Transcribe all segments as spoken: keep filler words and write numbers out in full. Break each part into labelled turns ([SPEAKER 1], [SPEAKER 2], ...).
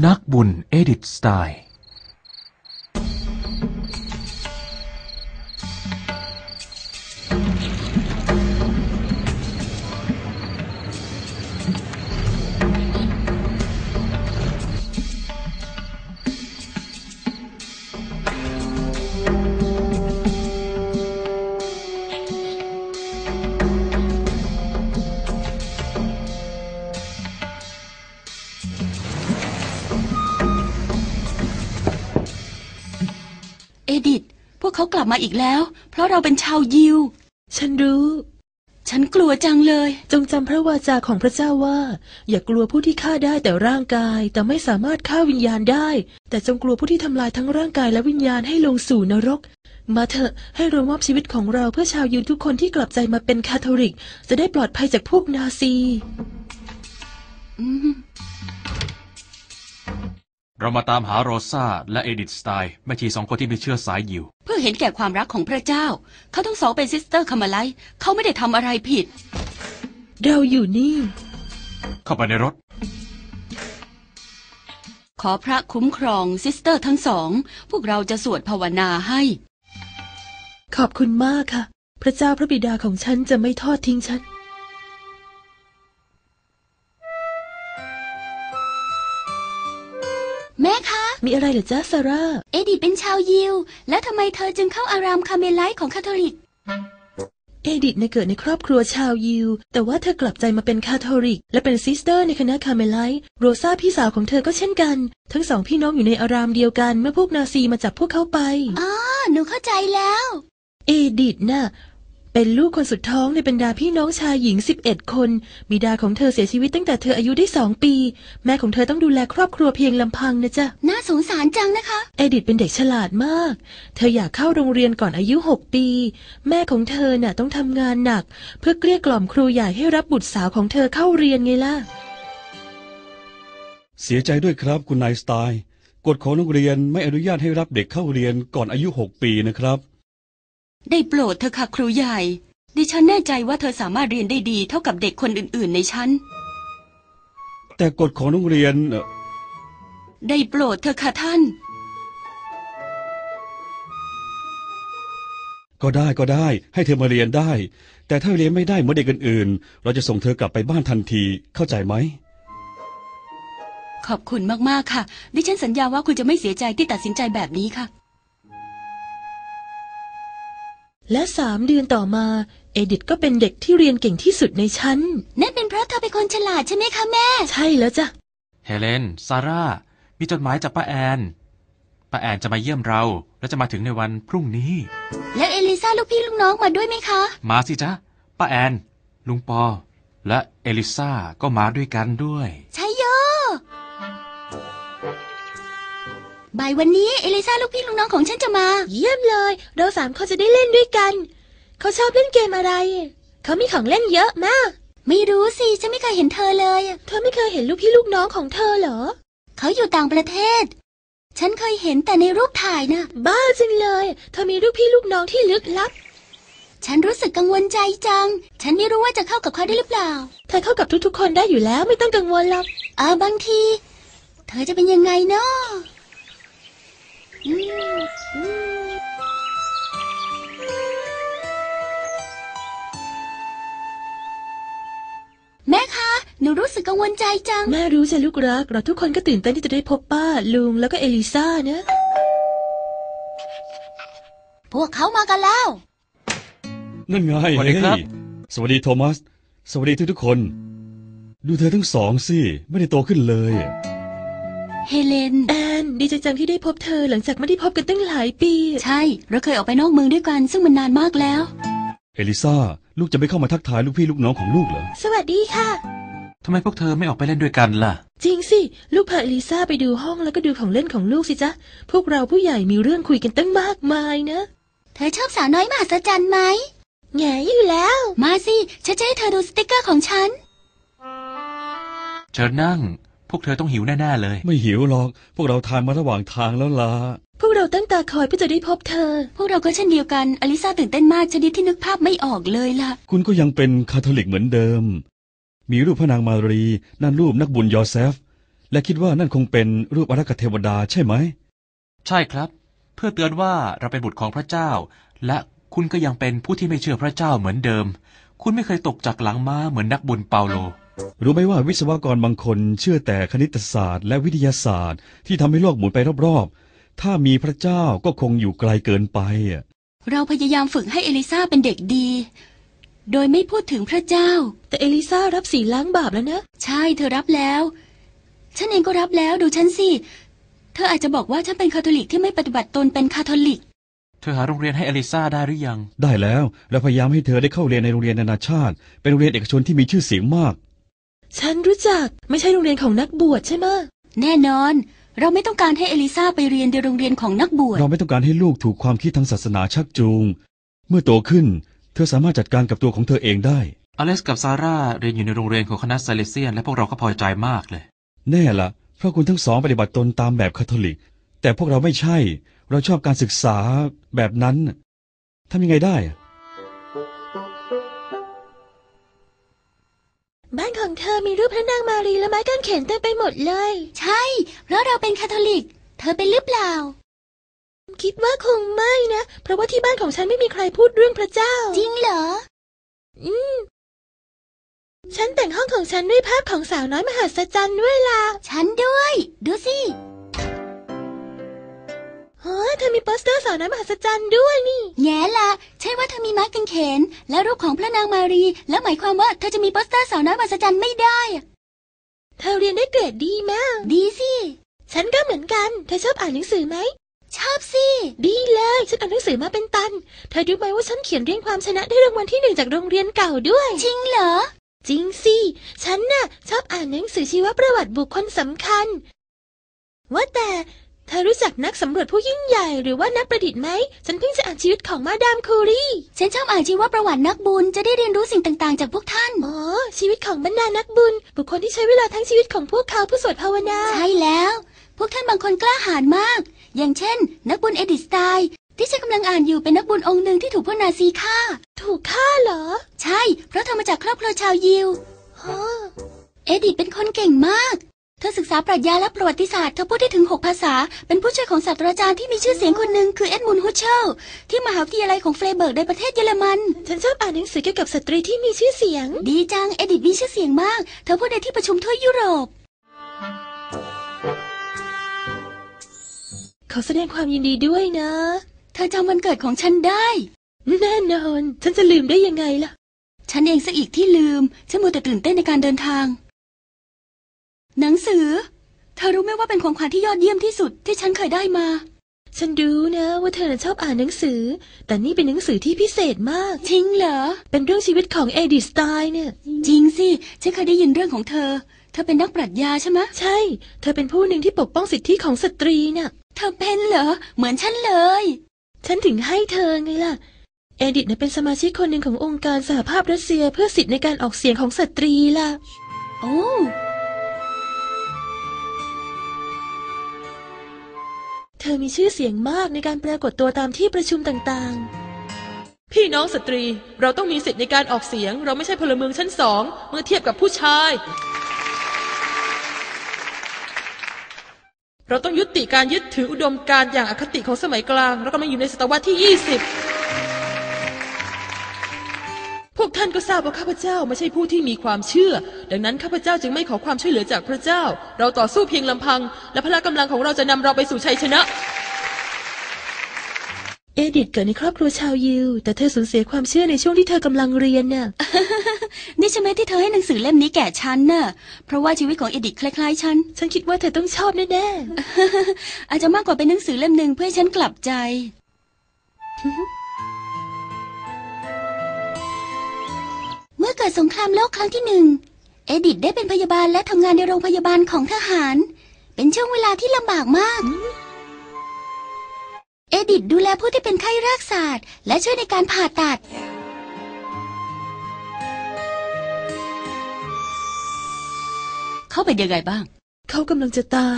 [SPEAKER 1] นักบุญเอดิธสไตล์
[SPEAKER 2] เอดิธพวกเขากลับมาอีกแล้วเพราะเราเป็นชาวยิว
[SPEAKER 3] ฉันรู้
[SPEAKER 2] ฉันกลัวจังเลย
[SPEAKER 3] จงจำพระวาจาของพระเจ้าว่าอย่ากลัวผู้ที่ฆ่าได้แต่ร่างกายแต่ไม่สามารถฆ่าวิญญาณได้แต่จงกลัวผู้ที่ทำลายทั้งร่างกายและวิญญาณให้ลงสู่นรกมาเถอะให้เรามอบชีวิตของเราเพื่อชาวยิวทุกคนที่กลับใจมาเป็นคาทอลิกจะได้ปลอดภัยจากพวกนาซี
[SPEAKER 1] เรามาตามหาโรซาและเอดิธสไตล์แม่ชีสองคนที่มีเชื้อสายยิว
[SPEAKER 2] เพื่อเห็นแก่ความรักของพระเจ้าเขาทั้งสองเป็นซิสเตอร์คามาไลเขาไม่ได้ทำอะไรผิด
[SPEAKER 3] เราอยู่นี่
[SPEAKER 1] เข้าไปในรถ
[SPEAKER 2] ขอพระคุ้มครองซิสเตอร์ทั้งสองพวกเราจะสวดภาวนาให้
[SPEAKER 3] ขอบคุณมากค่ะพระเจ้าพระบิดาของฉันจะไม่ทอดทิ้งฉัน
[SPEAKER 2] แม่คะ
[SPEAKER 3] มีอะไรเหรอจ๊ะซาร่า
[SPEAKER 2] เอดิธเป็นชาวยิวแล้วทำไมเธอจึงเข้าอารามคาเมไลท์ของคาทอลิก
[SPEAKER 3] เอดิธเกิดในครอบครัวชาวยิวแต่ว่าเธอกลับใจมาเป็นคาทอลิกและเป็นซิสเตอร์ในคณะคาเมไลท์โรซาพี่สาวของเธอก็เช่นกันทั้งสองพี่น้องอยู่ในอารามเดียวกันเมื่อพวกนาซีมาจับพวกเขาไป
[SPEAKER 2] อ๋อหนูเข้าใจแล้ว
[SPEAKER 3] เอดิธน่ะเป็นลูกคนสุดท้องในบรรดาพี่น้องชายหญิงสิบเอ็ดคนบิดาของเธอเสียชีวิตตั้งแต่เธออายุได้สองปีแม่ของเธอต้องดูแลครอบครัวเพียงลำพังนะจ๊ะ
[SPEAKER 2] น่าสงสารจังนะคะ
[SPEAKER 3] เอดิธเป็นเด็กฉลาดมากเธออยากเข้าโรงเรียนก่อนอายุหกปีแม่ของเธอน่ะต้องทำงานหนักเพื่อเกลี้ยกล่อมครูใหญ่ให้รับบุตรสาวของเธอเข้าเรียนไงล่ะ
[SPEAKER 4] เสียใจด้วยครับคุณนายสไตล์กฎของโรงเรียนไม่อนุญาตให้รับเด็กเข้าเรียนก่อนอายุหกปีนะครับ
[SPEAKER 2] ได้โปรดเธอค่ะครูใหญ่ดิฉันแน่ใจว่าเธอสามารถเรียนได้ดีเท่ากับเด็กคนอื่นๆในชั้น
[SPEAKER 4] แต่กฎของโรงเรียน
[SPEAKER 2] ได้โปรดเธอค่ะท่าน
[SPEAKER 4] ก็ได้ก็ได้ให้เธอมาเรียนได้แต่ถ้าเรียนไม่ได้เหมือนเด็กอื่นๆเราจะส่งเธอกลับไปบ้านทันทีเข้าใจไหม
[SPEAKER 2] ขอบคุณมากๆค่ะดิฉันสัญญาว่าคุณจะไม่เสียใจที่ตัดสินใจแบบนี้ค่ะ
[SPEAKER 3] และสามเดือนต่อมาเอดิธก็เป็นเด็กที่เรียนเก่งที่สุดในชั้น
[SPEAKER 2] นั่นเป็นเพราะเธอเป็นคนฉลาดใช่ไหมคะแม่
[SPEAKER 3] ใช่แล้วจ้ะ
[SPEAKER 1] เฮเลนซาร่ามีจดหมายจากป้าแอนป้าแอนจะมาเยี่ยมเราและจะมาถึงในวันพรุ่งนี้
[SPEAKER 2] แล้วเอลิซาลูกพี่ลูกน้องมาด้วยไหมคะ
[SPEAKER 1] มาสิจ๊ะป้าแอนลุงปอและเอลิซาก็มาด้วยกันด้วย
[SPEAKER 2] ใช่โยบ่ายวันนี้เอลิซาลูกพี่ลูกน้องของฉันจะมา
[SPEAKER 3] เยี่ยมเลยเราสามคนจะได้เล่นด้วยกันเขาชอบเล่นเกมอะไรเขามีของเล่นเยอะมาก
[SPEAKER 2] ไม่รู้สิฉันไม่เคยเห็นเธอเลย
[SPEAKER 3] เธอไม่เคยเห็นลูกพี่ลูกน้องของเธอเหรอ
[SPEAKER 2] เขาอยู่ต่างประเทศฉันเคยเห็นแต่ในรูปถ่ายนะ
[SPEAKER 3] บ้าจังเลยเธอมีลูกพี่ลูกน้องที่ลึกลับ
[SPEAKER 2] ฉันรู้สึกกังวลใจจังฉันไม่รู้ว่าจะเข้ากับเขาได้หรือเปล่า
[SPEAKER 3] เธอเข้ากับทุกๆคนได้อยู่แล้วไม่ต้องกังวลหรอก
[SPEAKER 2] เออบางทีเธอจะเป็นยังไงเนาะแม่คะหนูรู้สึกกังวลใจจัง
[SPEAKER 3] แม่รู้จ้ะลูกรักเราทุกคนก็ตื่นเต้นที่จะได้พบป้าลุงแล้วก็เอลิซานะ
[SPEAKER 2] พวกเขามากันแล้ว
[SPEAKER 4] นั่นไง
[SPEAKER 1] สวัสดีครับ
[SPEAKER 4] สวัสดีโทมัสสวัสดีทุกทุกคนดูเธอทั้งสองสิไม่ได้โตขึ้นเลย
[SPEAKER 2] เฮเลน
[SPEAKER 3] แอนดีใจจังที่ได้พบเธอหลังจากไม่ได้พบกันตั้งหลายปี
[SPEAKER 2] ใช่เราเคยออกไปนอกเมืองด้วยกันซึ่งมันนานมากแล้ว
[SPEAKER 4] เอลิซาลูกจะไม่เข้ามาทักทายลูกพี่ลูกน้องของลูกเหรอ
[SPEAKER 3] สวัสดีค่ะ
[SPEAKER 1] ทำไมพวกเธอไม่ออกไปเล่นด้วยกันล่ะ
[SPEAKER 3] จริงสิลูกพาเอลิซาไปดูห้องแล้วก็ดูของเล่นของลูกสิจ๊ะพวกเราผู้ใหญ่มีเรื่องคุยกันตั้งมากมายนะ
[SPEAKER 2] เธอชอบสาวน้อยมหัศจรรย์ไหม
[SPEAKER 3] แง่อยู่แล้ว
[SPEAKER 2] มาสิฉันจะให้เธอดูสติกเกอร์ของฉัน
[SPEAKER 1] เชิญนั่งพวกเธอต้องหิวแน่ๆเลย
[SPEAKER 4] ไม่หิวหรอกพวกเราทานมาระหว่างทางแล้วล่ะ
[SPEAKER 3] พวกเราตั้งตาคอยเพื่อจะได้พบเธอ
[SPEAKER 2] พวกเราก็เช่นเดียวกันอลิซาตื่นเต้นมากชนิดที่นึกภาพไม่ออกเลยล่ะ
[SPEAKER 4] คุณก็ยังเป็นคาทอลิกเหมือนเดิมมีรูปพระนางมารีนั่นรูปนักบุญยอเซฟและคิดว่านั่นคงเป็นรูปอารักขเทวดาใช่ไหม
[SPEAKER 1] ใช่ครับเพื่อเตือนว่าเราเป็นบุตรของพระเจ้าและคุณก็ยังเป็นผู้ที่ไม่เชื่อพระเจ้าเหมือนเดิมคุณไม่เคยตกจากหลังม้าเหมือนนักบุญเปาโล
[SPEAKER 4] รู้ไหมว่าวิศวกรบางคนเชื่อแต่คณิตศาสตร์และวิทยาศาสตร์ที่ทำให้โลกหมุนไปรอบๆถ้ามีพระเจ้าก็คงอยู่ไกลเกินไป
[SPEAKER 2] เราพยายามฝึกให้เอลิซาเป็นเด็กดีโดยไม่พูดถึงพระเจ้า
[SPEAKER 3] แต่เอลิซารับศีลล้างบาปแล้วนะ
[SPEAKER 2] ใช่เธอรับแล้วฉันเองก็รับแล้วดูฉันสิเธออาจจะบอกว่าฉันเป็นคาทอลิกที่ไม่ปฏิบัติตนเป็นคาทอลิก
[SPEAKER 1] เธอหาโรงเรียนให้เอลิซาได้หรือยัง
[SPEAKER 4] ได้แล้วเราพยายามให้เธอได้เข้าเรียนในโรงเรียนนานาชาติเป็นโรงเรียนเอกชนที่มีชื่อเสียงมาก
[SPEAKER 3] ฉันรู้จักไม่ใช่โรงเรียนของนักบวชใช่ไหม
[SPEAKER 2] แน่นอนเราไม่ต้องการให้เอลิซาไปเรียนในโรงเรียนของนักบวช
[SPEAKER 4] เราไม่ต้องการให้ลูกถูกความคิดทางศาสนาชักจูงเมื่อโตขึ้นเธอสามารถจัดการกับตัวของเธอเองได้
[SPEAKER 1] อเล็กซ์กับซาร่าเรียนอยู่ในโรงเรียนของคณะไซเลเซียนและพวกเราก็พอใจมากเลย
[SPEAKER 4] แน่ละเพราะคุณทั้งสองปฏิบัติตนตามแบบคาทอลิกแต่พวกเราไม่ใช่เราชอบการศึกษาแบบนั้นทำยังไงได้
[SPEAKER 3] บ้านของเธอมีรูปพระนางมารีและไม้กางเขนเต็มไปหมดเลย
[SPEAKER 2] ใช่เพราะเราเป็นคาทอลิกเธอเป็นหรือเปล่า
[SPEAKER 3] คิดว่าคงไม่นะเพราะว่าที่บ้านของฉันไม่มีใครพูดเรื่องพระเจ้า
[SPEAKER 2] จริงเหรอ
[SPEAKER 3] อืมฉันแต่งห้องของฉันด้วยภาพของสาวน้อยมหัศจรรย์ด้วยล่ะ
[SPEAKER 2] ฉันด้วยดูสิ
[SPEAKER 3] เฮ้ยเธอมีโปสเตอร์สาวน้อยมหัศจรรย์ด้วยนี่
[SPEAKER 2] แง่ละใช่ว่าเธอมีไม้กางเขนและรูปของพระนางมารีแล้วหมายความว่าเธอจะมีโปสเตอร์สาวน้อยมหัศจรรย์ไม่ได้
[SPEAKER 3] เธอเรียนได้เกรดดีมาก
[SPEAKER 2] ดีสิ
[SPEAKER 3] ฉันก็เหมือนกันเธอชอบอ่านหนังสือไหม
[SPEAKER 2] ชอบสิ
[SPEAKER 3] ดีเลยฉันอ่านหนังสือมาเป็นตันเธอรู้ไหมว่าฉันเขียนเรียงความชนะได้รางวัลที่หนึ่งจากโรงเรียนเก่าด้วย
[SPEAKER 2] จริงเหรอ
[SPEAKER 3] จริงสิฉันน่ะชอบอ่านหนังสือชีวประวัติบุคคลสำคัญว่าแต่เธอรู้จักนักสำรวจผู้ยิ่งใหญ่หรือว่านักประดิษฐ์ไหมฉันเพิ่งจะอ่านชีวิตของมาดามคูรี
[SPEAKER 2] ฉันชอบอ่านชีวประวัตินักบุญจะได้เรียนรู้สิ่งต่างๆจากพวกท่าน
[SPEAKER 3] อ๋อชีวิตของบรรดานักบุญบุคคลที่ใช้เวลาทั้งชีวิตของพวกเขาเพื่อสวดภาวนา
[SPEAKER 2] ใช่แล้วพวกท่านบางคนกล้าหาญมากอย่างเช่นนักบุญเอดิสไตน์ที่ฉันกำลังอ่านอยู่เป็นนักบุญองค์หนึ่งที่ถูกพวกนาซีฆ่า
[SPEAKER 3] ถูกฆ่าเหรอ
[SPEAKER 2] ใช่เพราะเธอมาจากครอบครัวชาวยิวเอดิธเป็นคนเก่งมากเธอศึกษาปรัชญาและประวัติศาสตร์เธอพูดได้ถึงหกภาษาเป็นผู้ช่วยของศาสตราจารย์ที่มีชื่อเสียงคนหนึ่งคือเอ็ดมุนด์ฮุชเชลที่มหาวิทยาลัยของเฟรเบิร์กในประเทศเยอรมัน
[SPEAKER 3] ฉันชอบอ่านหนังสือเกี่ยวกับสตรีที่มีชื่อเสียง
[SPEAKER 2] ดีจังเอดิธมีชื่อเสียงมากเธอพูดในที่ประชุมทั่วยุโรป
[SPEAKER 3] ขอแสดงความยินดีด้วยนะ
[SPEAKER 2] เธอจำวันเกิดของฉันได้
[SPEAKER 3] แน่นอนฉันจะลืมได้ยังไงล่ะ
[SPEAKER 2] ฉันเองซะอีกที่ลืมฉันมัวแต่ตื่นเต้นในการเดินทางหนังสือเธอรู้ไหมว่าเป็นของขวัญที่ยอดเยี่ยมที่สุดที่ฉันเคยได้มา
[SPEAKER 3] ฉันรู้นะว่าเธอชอบอ่านหนังสือแต่นี่เป็นหนังสือที่พิเศษมาก
[SPEAKER 2] จริงเหรอ
[SPEAKER 3] เป็นเรื่องชีวิตของเอดิธ สไตน์เนี่ย
[SPEAKER 2] จริงสิฉันเคยได้ยินเรื่องของเธอเธอเป็นนักปรัชญาใช่ไหม
[SPEAKER 3] ใช่เธอเป็นผู้หนึ่งที่ปกป้องสิทธิของสตรีน่ะ
[SPEAKER 2] เธอเป็นเหรอเหมือนฉันเลย
[SPEAKER 3] ฉันถึงให้เธอไงล่ะเอดิธเป็นสมาชิกคนหนึ่งขององค์การสหภาพรัสเซียเพื่อสิทธิในการออกเสียงของสตรีล่ะ
[SPEAKER 2] โอ้
[SPEAKER 3] เธอมีชื่อเสียงมากในการปรากฏตัวตามที่ประชุมต่างๆพี่น้องสตรีเราต้องมีสิทธิในการออกเสียงเราไม่ใช่พลเมืองชั้นสองเมื่อเทียบกับผู้ชายเราต้องยุติการยึดถืออุดมการณ์อย่างอคติของสมัยกลางเรากำลังอยู่ในศตวรรษที่ยี่สิบพวกท่านก็ทราบว่าข้าพเจ้าไม่ใช่ผู้ที่มีความเชื่อดังนั้นข้าพเจ้าจึงไม่ขอความช่วยเหลือจากพระเจ้าเราต่อสู้เพียงลำพังและพละกำลังของเราจะนำเราไปสู่ชัยชนะเอดิธเกิดในครอบครัวชาวยิวแต่เธอสูญเสียความเชื่อในช่วงที่เธอกำลังเรียนน่ะ
[SPEAKER 2] นี่ใช่ไหมที่เธอให้หนังสือเล่มนี้แก่ฉันน่ะเพราะว่าชีวิตของเอดิธคล้ายๆฉัน
[SPEAKER 3] ฉันคิดว่าเธอต้องชอบแน่
[SPEAKER 2] ๆ อาจจะมากกว่าเป็นหนังสือเล่มหนึ่งเพื่อให้ฉันกลับใจเมื่อเกิดสงครามโลกครั้งที่หนึ่งเอดิธได้เป็นพยาบาลและทำงานในโรงพยาบาลของทหารเป็นช่วงเวลาที่ลำบากมากเอดิธดูแลผู้ที่เป็นไข้รากศาสตร์และช่วยในการผ่าตัดเข้าไปยังไงบ้าง
[SPEAKER 3] เขากำลังจะตาย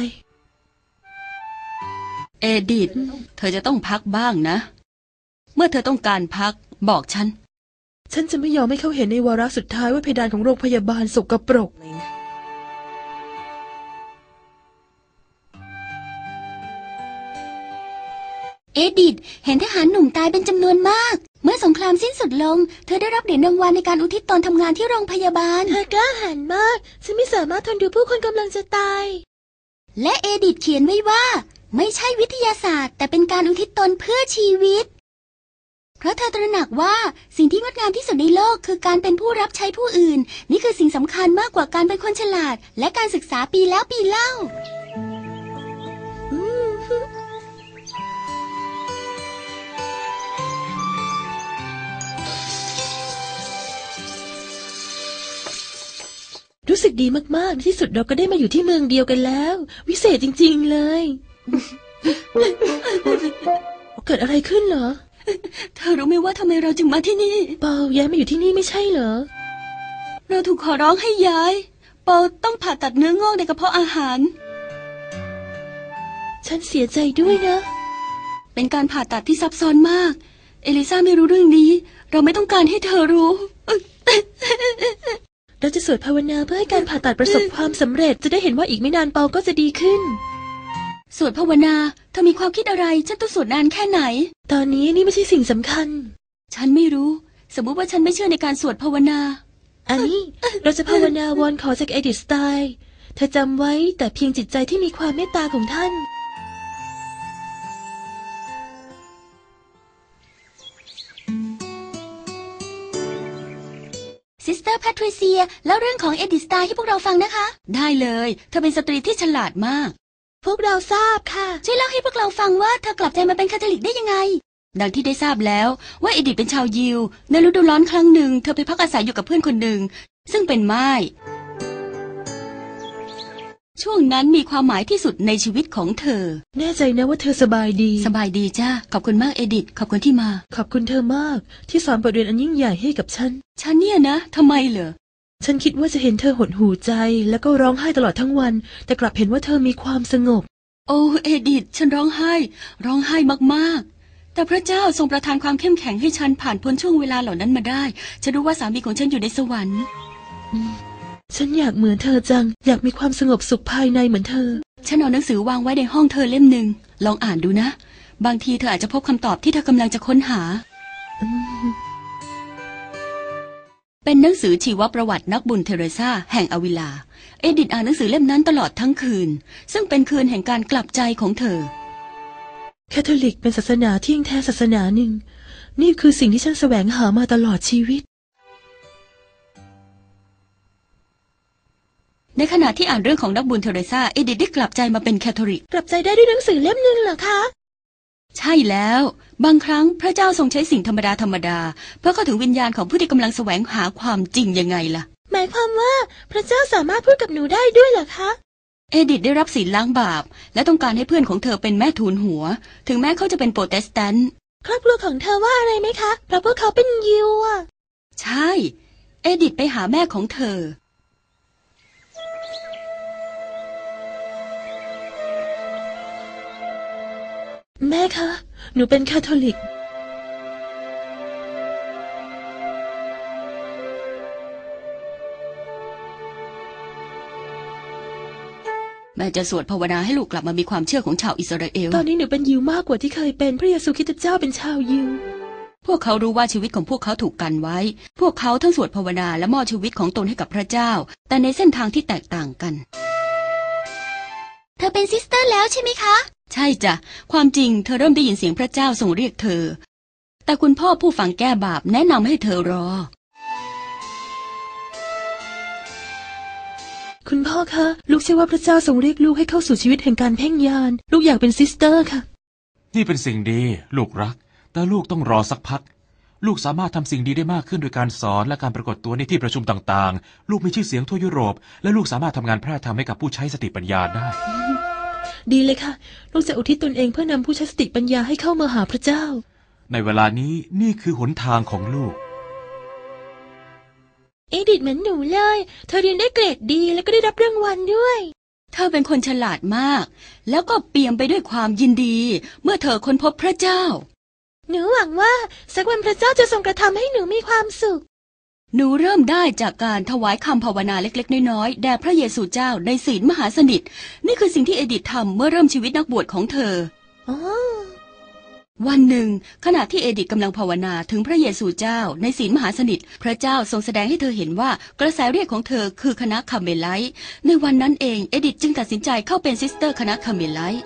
[SPEAKER 2] เอดิธเธอจะต้องพักบ้างนะเมื่อเธอต้องการพักบอกฉัน
[SPEAKER 3] ฉันจะไม่ยอมให้เขาเห็นในวาระสุดท้ายว่าเพดานของโรงพยาบาลสกปรก
[SPEAKER 2] เอดิธเห็นทหารหนุ่มตายเป็นจำนวนมากเมื่อสงครามสิ้นสุดลงเธอได้รับเหรียญรางวัลในการอุทิศตนทำงานที่โรงพยาบาล
[SPEAKER 3] เธอกล้าหาญมากฉันไม่สามารถทนดูผู้คนกำลังจะตาย
[SPEAKER 2] และเอดิธเขียนไว้ว่าไม่ใช่วิทยาศาสตร์แต่เป็นการอุทิศตนเพื่อชีวิตเพราะเธอตระหนักว่าสิ่งที่งดงามที่สุดในโลกคือการเป็นผู้รับใช้ผู้อื่นนี่คือสิ่งสำคัญมากกว่าการเป็นคนฉลาดและการศึกษาปีแล้วปีเล่า
[SPEAKER 3] รู้สึกดีมากๆในที่สุดเราก็ได้มาอยู่ที่เมืองเดียวกันแล้ววิเศษจริงๆเลยเกิดอะไรขึ้นเหรอ
[SPEAKER 2] เธอรู้ไหมว่าทำไมเราจึงมาที่นี่
[SPEAKER 3] เปาย้ายมาอยู่ที่นี่ไม่ใช่เหรอ
[SPEAKER 2] เราถูกขอร้องให้ย้ายเปาต้องผ่าตัดเนื้องอกในกระเพาะอาหาร
[SPEAKER 3] ฉันเสียใจด้วยนะ
[SPEAKER 2] เป็นการผ่าตัดที่ซับซ้อนมากเอลิซาไม่รู้เรื่องนี้เราไม่ต้องการให้เธอรู้
[SPEAKER 3] เราจะสวดภาวนาเพื่อให้การผ่าตัดประสบความสำเร็จจะได้เห็นว่าอีกไม่นานเปาก็จะดีขึ้น
[SPEAKER 2] สวดภาวนาเธอมีความคิดอะไรฉันต้องสวดนานแค่ไหน
[SPEAKER 3] ตอนนี้นี่ไม่ใช่สิ่งสำคัญ
[SPEAKER 2] ฉันไม่รู้สมมุติว่าฉันไม่เชื่อในการสวดภาวนา
[SPEAKER 3] อันนี้เราจะภาวนาวอนขอจากเอดิธสไตล์เธอจำไว้แต่เพียงจิตใจที่มีความเมตตาของท่าน
[SPEAKER 2] ซิสเตอร์แพทริเซียเล่าเรื่องของเอดิธสไตล์ให้พวกเราฟังนะคะได้เลยเธอเป็นสตรีที่ฉลาดมาก
[SPEAKER 3] พวกเราทราบค่ะ
[SPEAKER 2] ช่วยเล่าให้พวกเราฟังว่าเธอกลับใจมาเป็นคาทอลิกได้ยังไงดังที่ได้ทราบแล้วว่าเอดิธเป็นชาวยิวในฤดูร้อนครั้งหนึ่งเธอไปพักอาศัยอยู่กับเพื่อนคนหนึ่งซึ่งเป็นม่ายช่วงนั้นมีความหมายที่สุดในชีวิตของเธอ
[SPEAKER 3] แน่ใจนะว่าเธอสบายดี
[SPEAKER 2] สบายดีจ้าขอบคุณมากเอดิธขอบคุณที่มา
[SPEAKER 3] ขอบคุณเธอมากที่สอนบทเรียนอันยิ่งใหญ่ให้กับฉัน
[SPEAKER 2] ฉันเนี่ยนะทำไมเหรอ
[SPEAKER 3] ฉันคิดว่าจะเห็นเธอหดหู่ใจแล้วก็ร้องไห้ตลอดทั้งวันแต่กลับเห็นว่าเธอมีความสงบ
[SPEAKER 2] โอ้เอดิธฉันร้องไห้ร้องไห้มากๆแต่พระเจ้าทรงประทานความเข้มแข็งให้ฉันผ่านพ้นช่วงเวลาเหล่านั้นมาได้ฉันรู้ว่าสามีของฉันอยู่ในสวรรค์
[SPEAKER 3] ฉันอยากเหมือนเธอจังอยากมีความสงบสุขภายในเหมือนเธอ
[SPEAKER 2] ฉันเอาหนังสือวางไว้ในห้องเธอเล่มหนึ่งลองอ่านดูนะบางทีเธออาจจะพบคำตอบที่เธอกำลังจะค้นหาเป็นหนังสือชีวประวัตินักบุญเทเรซาแห่งอวิลาเอดิธอ่านหนังสือเล่มนั้นตลอดทั้งคืนซึ่งเป็นคืนแห่งการกลับใจของเธอ
[SPEAKER 3] คาทอลิกเป็นศาสนาที่ยิ่งแท้ศาสนาหนึ่งนี่คือสิ่งที่ฉันแสวงหามาตลอดชีวิต
[SPEAKER 2] ในขณะที่อ่านเรื่องของนักบุญเทเรซาเอดิธได้กลับใจมาเป็นคาทอลิก
[SPEAKER 3] กลับใจได้ด้วยหนังสือเล่มหนึ่งเหรอคะ
[SPEAKER 2] ใช่แล้วบางครั้งพระเจ้าทรงใช้สิ่งธรรมดาธรรมดาเพื่อเข้าถึงวิญญาณของผู้ที่กำลังแสวงหาความจริงยังไงล่ะ
[SPEAKER 3] หมายความว่าพระเจ้าสามารถพูดกับหนูได้ด้วยเหรอคะ
[SPEAKER 2] เอดิธได้รับศีลล้างบาปและต้องการให้เพื่อนของเธอเป็นแม่ทูลหัวถึงแม้เขาจะเป็นโปรเตสแตนต์
[SPEAKER 3] ครอบครัวของเธอว่าอะไรไหมคะเพราะพวกเขาเป็นยิวอ่ะ
[SPEAKER 2] ใช่เอดิธไปหาแม่ของเธอ
[SPEAKER 3] แม่คะหนูเป็นคาทอลิก
[SPEAKER 2] แม่จะสวดภาวนาให้ลูกกลับมามีความเชื่อของชาวอิสราเอล
[SPEAKER 3] ตอนนี้หนูเป็นยิวมากกว่าที่เคยเป็นพระเยซูคริสต์เจ้าเป็นชาวยิว
[SPEAKER 2] พวกเขารู้ว่าชีวิตของพวกเขาถูกกันไว้พวกเขาทั้งสวดภาวนาและมอบชีวิตของตนให้กับพระเจ้าแต่ในเส้นทางที่แตกต่างกันเธอเป็นซิสเตอร์แล้วใช่ไหมคะใช่จ้ะความจริงเธอเริ่มได้ยินเสียงพระเจ้าทรงเรียกเธอแต่คุณพ่อผู้ฝังแก้บาปแนะนำให้เธอรอ
[SPEAKER 3] คุณพ่อคะลูกเชื่อว่าพระเจ้าทรงเรียกลูกให้เข้าสู่ชีวิตแห่งการเพ่งญาณลูกอยากเป็นซิสเตอร์ค่ะ
[SPEAKER 1] นี่เป็นสิ่งดีลูกรักแต่ลูกต้องรอสักพักลูกสามารถทำสิ่งดีได้มากขึ้นโดยการสอนและการปรากฏตัวในที่ประชุมต่างๆลูกมีชื่อเสียงทั่วยุโรปและลูกสามารถทำงานแพร่ธรรมให้กับผู้ใช้สติปัญญาได้
[SPEAKER 3] ดีเลยค่ะลูกจะอุทิศตนเองเพื่อนำผู้ใช้สติปัญญาให้เข้ามาหาพระเจ้า
[SPEAKER 1] ในเวลานี้นี่คือหนทางของลูก
[SPEAKER 3] เอดิธเหมือนหนูเลยเธอเรียนได้เกรดดีแล้วก็ได้รับรางวัลด้วย
[SPEAKER 2] เธอเป็นคนฉลาดมากแล้วก็เปี่ยมไปด้วยความยินดีเมื่อเธอค้นพบพระเจ้า
[SPEAKER 3] หนูหวังว่าสักวันพระเจ้าจะทรงกระทำให้หนูมีความสุข
[SPEAKER 2] หนูเริ่มได้จากการถวายคำภาวนาเล็กๆน้อยๆแด่พระเยซูเจ้าในศีลมหาสนิทนี่คือสิ่งที่เอดิธทำเมื่อเริ่มชีวิตนักบวชของเธอ
[SPEAKER 3] อ๋อ
[SPEAKER 2] วันหนึ่งขณะที่เอดิธกำลังภาวนาถึงพระเยซูเจ้าในศีลมหาสนิทพระเจ้าทรงแสดงให้เธอเห็นว่ากระแสเรียกของเธอคือคณะคาร์เมไลต์ในวันนั้นเองเอดิธจึงตัดสินใจเข้าเป็นซิสเตอร์คณะคาร์เมไลต์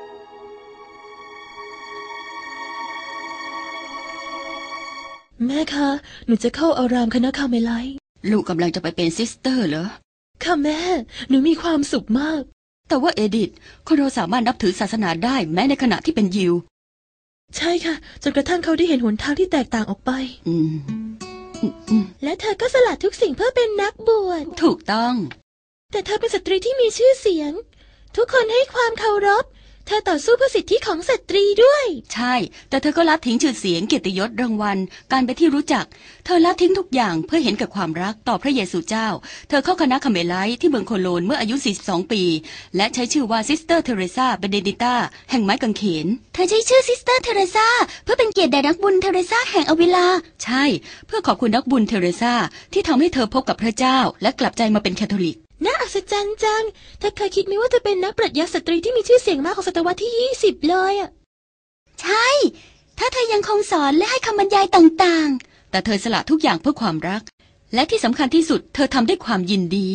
[SPEAKER 3] แม่คะหนูจะเข้าอารามคณะคาร์เมไลต์
[SPEAKER 2] ลูกกำลังจะไปเป็นซิสเตอร์เหรอ
[SPEAKER 3] ค่ะแม่หนูมีความสุขมาก
[SPEAKER 2] แต่ว่าเอดิธคนเราสามารถนับถือศาสนาได้แม้ในขณะที่เป็นยิว
[SPEAKER 3] ใช่ค่ะจนกระทั่งเขาได้เห็นหนทางที่แตกต่างออกไป
[SPEAKER 2] อืม
[SPEAKER 3] และเธอก็สละทุกสิ่งเพื่อเป็นนักบวช
[SPEAKER 2] ถูกต้อง
[SPEAKER 3] แต่เธอเป็นสตรีที่มีชื่อเสียงทุกคนให้ความเคารพเธอต่อสู้เพื่อสิทธิของสตรีด้วย
[SPEAKER 2] ใช่แต่เธอก็ละทิ้งชื่อเสียงเกียรติยศรางวัลการเป็นที่รู้จักเธอละทิ้งทุกอย่างเพื่อเห็นกับความรักต่อพระเยซูเจ้าเธอเข้าคณะคาร์เมไลต์ที่เมืองโคโลนเมื่ออายุสี่สิบสองปีและใช้ชื่อว่าซิสเตอร์เทเรซาเบเนดิต้าแห่งไม้กางเขนเธอใช้ชื่อซิสเตอร์เทเรซาเพื่อเป็นเกียรติแด่นักบุญเทเรซาแห่งอวิลาใช่เพื่อขอบคุณนักบุญเทเรซาที่ทำให้เธอพบกับพระเจ้าและกลับใจมาเป็นแคทอลิก
[SPEAKER 3] น่าอัศจรรย์จังเธอเคยคิดไหมว่าเธอเป็นนักปรัชญาสตรีที่มีชื่อเสียงมากของศตวรรษที่ยี่สิบเลยอ่ะ
[SPEAKER 2] ใช่ถ้าเธอยังคงสอนและให้คำบรรยายต่างๆแต่เธอสละทุกอย่างเพื่อความรักและที่สำคัญที่สุดเธอทำด้วยความยินดี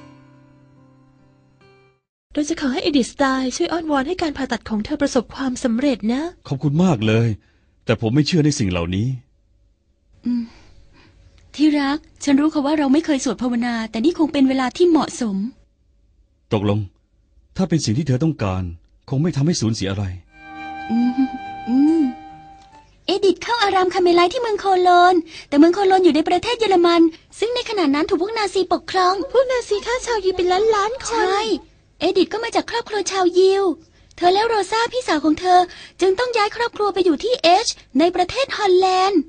[SPEAKER 3] เราจะขอให้เอดิธสไตล์ช่วยอ้อนวอนให้การผ่าตัดของเธอประสบความสำเร็จนะ
[SPEAKER 4] ขอบคุณมากเลยแต่ผมไม่เชื่อในสิ่งเหล่านี้
[SPEAKER 2] อืมที่รักฉันรู้ค่ะว่าเราไม่เคยสวดภาวนาแต่นี่คงเป็นเวลาที่เหมาะสม
[SPEAKER 4] ตกลงถ้าเป็นสิ่งที่เธอต้องการคงไม่ทำให้สูญเสียอะไร
[SPEAKER 2] อืมอืมเอดิธเข้าอารามคาร์เมไลต์ที่เมืองโคโลนแต่เมืองโคโลนอยู่ในประเทศเยอรมันซึ่งในขณะนั้นถูกพวกนาซีปกครอง
[SPEAKER 3] พวกนาซีฆ่าชาวยิวเป็นล้านล้านคน
[SPEAKER 2] ใช่เอดิธก็มาจากครอบครัวชาวยิวเธอแล้วโรซาพี่สาวของเธอจึงต้องย้ายครอบครัวไปอยู่ที่เอชในประเทศฮอลแลนด์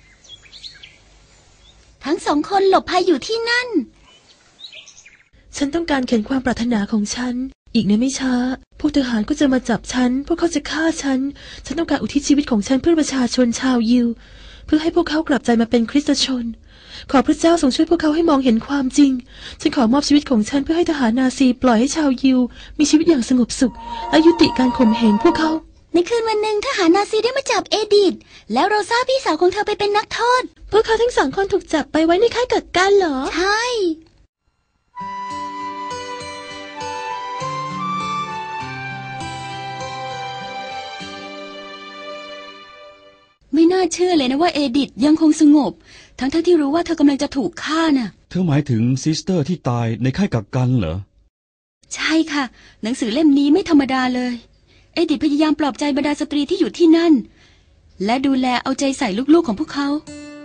[SPEAKER 2] ทั้งสองคนหลบภัยอยู่ที่นั่น
[SPEAKER 3] ฉันต้องการเขียนความปรารถนาของฉันอีกในไม่ช้าพวกทหารก็จะมาจับฉันพวกเขาจะฆ่าฉันฉันต้องการอุทิศชีวิตของฉันเพื่อประชาชนชาวยิวเพื่อให้พวกเขากลับใจมาเป็นคริสตชนขอพระเจ้าทรงช่วยพวกเขาให้มองเห็นความจริงฉันขอมอบชีวิตของฉันเพื่อให้ทหารนาซีปล่อยให้ชาวยิวมีชีวิตอย่างสงบสุขและยุติการข่มเหงพวกเขา
[SPEAKER 2] ในคืนวันหนึ่งทหารนาซีได้มาจับเอดิธแล้วโรซาพี่สาวของเธอไปเป็นนักโทษ
[SPEAKER 3] พวกเขาทั้งสองคนถูกจับไปไว้ในค่ายกักกันเหรอ
[SPEAKER 2] ใช่ไม่น่าเชื่อเลยนะว่าเอดิธยังคงสงบทั้งๆ ท, ที่รู้ว่าเธอกำลังจะถูกฆ่าน่ะ
[SPEAKER 4] เธอหมายถึงซิสเตอร์ที่ตายในค่ายกักกันเหรอ
[SPEAKER 2] ใช่ค่ะหนังสือเล่มนี้ไม่ธรรมดาเลยเอดิธพยายามปลอบใจบรรดาสตรีที่อยู่ที่นั่นและดูแลเอาใจใส่ลูกๆของพวกเขา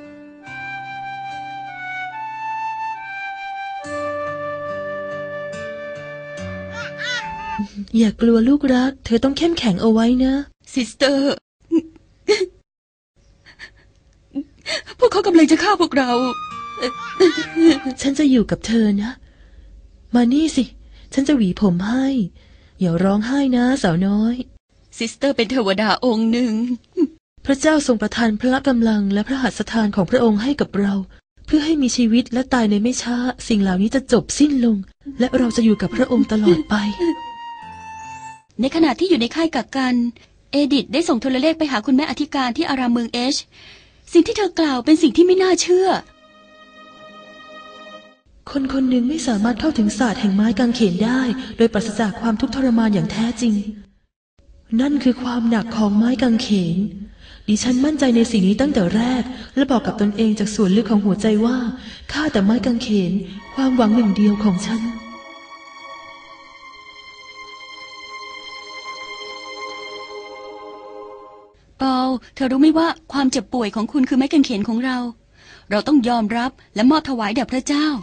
[SPEAKER 3] อย่ากลัวลูกรักเธอต้องเข้มแข็งเอาไว้นะ
[SPEAKER 2] ซิสเตอร์พวกเขากำลังจะฆ่าพวกเรา
[SPEAKER 3] ฉันจะอยู่กับเธอนะมานี่สิฉันจะหวีผมให้อย่าร้องไห้นะสาวน้อย
[SPEAKER 2] ซิสเตอร์เป็นเทวดาองค์หนึ่ง
[SPEAKER 3] พระเจ้าทรงประทานพละกำลังและพระหัตถ์ทานของพระองค์ให้กับเราเพื่อให้มีชีวิตและตายในไม่ช้าสิ่งเหล่านี้จะจบสิ้นลงและเราจะอยู่กับพระองค์ตลอดไป
[SPEAKER 2] ในขณะที่อยู่ในค่ายกักกันเอดิธได้ส่งโทรเลขไปหาคุณแม่อธิการที่อารามเมืองเอชสิ่งที่เธอกล่าวเป็นสิ่งที่ไม่น่าเชื่อ
[SPEAKER 3] คนคนหนึ่งไม่สามารถเข้าถึงศาสตร์แห่งไม้กางเขนได้โดยปราศจากความทุกข์ทรมานอย่างแท้จริงนั่นคือความหนักของไม้กางเขนดิฉันมั่นใจในสิ่งนี้ตั้งแต่แรกและบอกกับตนเองจากส่วนลึกของหัวใจว่าข้าแต่ไม้กางเขนความหวังหนึ่งเดียวของฉัน
[SPEAKER 2] ปอลเธอรู้ไหมว่าความเจ็บป่วยของคุณคือไม้กางเขนของเราเราต้องยอมรับและมอบถวายแด่พระเจ้า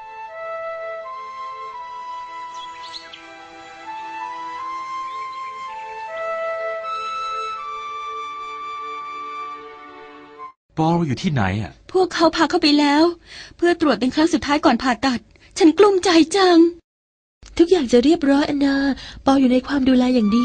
[SPEAKER 1] ปอลอยู่ที่ไหนอ่ะ
[SPEAKER 2] พวกเขาพาเข้าไปแล้วเพื่อตรวจเป็นครั้งสุดท้ายก่อนผ่าตัดฉันกลุ้มใจจัง
[SPEAKER 3] ทุกอย่างจะเรียบร้อยอันนาปอลอยู่ในความดูแลอย่างดี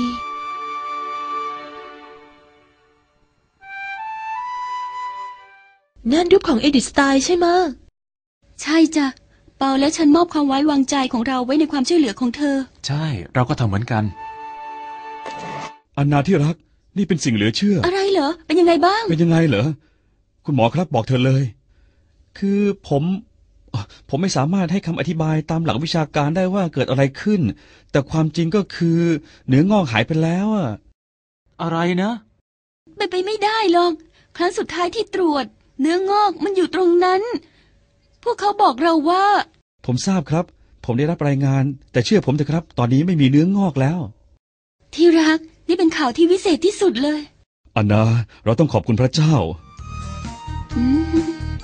[SPEAKER 3] นั่นรูปของเอดิธสไตล์ใช่ไหม
[SPEAKER 2] ใช่จ้ะปอลและฉันมอบความไว้วางใจของเราไว้ในความช่วยเหลือของเธอ
[SPEAKER 1] ใช่เราก็ทำเหมือนกัน
[SPEAKER 4] อันนาที่รักนี่เป็นสิ่งเหลือเชื่อ
[SPEAKER 2] อะไรเหรอ เป็นยังไงบ้าง
[SPEAKER 4] เป็นยังไงเหรอคุณหมอครับบอกเธอเลย คือผมผมไม่สามารถให้คำอธิบายตามหลักวิชาการได้ว่าเกิดอะไรขึ้น แต่ความจริงก็คือเนื้องอกหายไปแล้วอะ
[SPEAKER 1] อะไรนะ
[SPEAKER 2] ไปไปไม่ได้หรอก ครั้งสุดท้ายที่ตรวจ เนื้องอกมันอยู่ตรงนั้น พวกเขาบอกเราว่า
[SPEAKER 4] ผมทราบครับ ผมได้รับรายงาน แต่เชื่อผมเถอะครับ ตอนนี้ไม่มีเนื้องอกแล้ว
[SPEAKER 2] ที่รัก นี่เป็นข่าวที่วิเศษที่สุดเลย
[SPEAKER 4] อันนาเราต้องขอบคุณพระเจ้า
[SPEAKER 2] อืม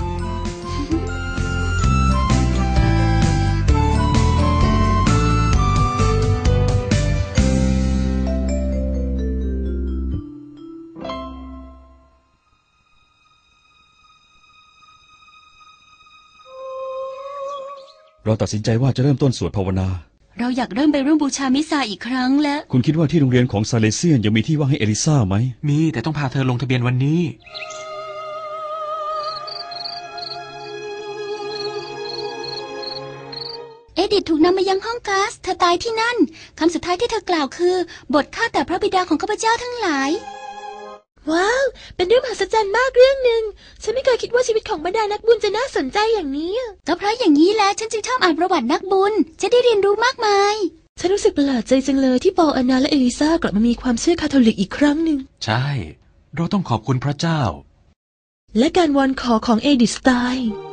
[SPEAKER 4] เราตัดสินใจว่าจะเริ่มต้นสวดภาวนา
[SPEAKER 2] เราอยากเริ่มไปร่วมบูชามิซาอีกครั้งแล้ว
[SPEAKER 4] คุณคิดว่าที่โรงเรียนของซาเลเซียนยังมีที่ว่างให้เอลิซาไหม
[SPEAKER 1] มีแต่ต้องพาเธอลงทะเบียนวันนี้
[SPEAKER 2] เอดิธถูกนำมายังห้องก๊าซเธอตายที่นั่น คำสุดท้ายที่เธอกล่าวคือ บทข้าแต่พระบิดาของข้าพเจ้าทั้งหลาย
[SPEAKER 3] ว้าว เป็นเรื่องมหัศจรรย์มากเรื่องหนึ่ง ฉันไม่เคยคิดว่าชีวิตของบรรดานักบุญจะน่าสนใจอย่างนี้
[SPEAKER 2] ก็เพราะอย่างนี้แหละฉันจึงชอบอ่านประวัตินักบุญ จะได้เรียนรู้มากมาย
[SPEAKER 3] ฉันรู้สึกประหลาดใจจังเลยที่ปอลอานาและเอลิซากลับมามีความเชื่อคาทอลิกอีกครั้งหนึ่ง
[SPEAKER 1] ใช่ เราต้องขอบคุณพระเจ้า
[SPEAKER 3] และการวอนขอของเอดิสไตน์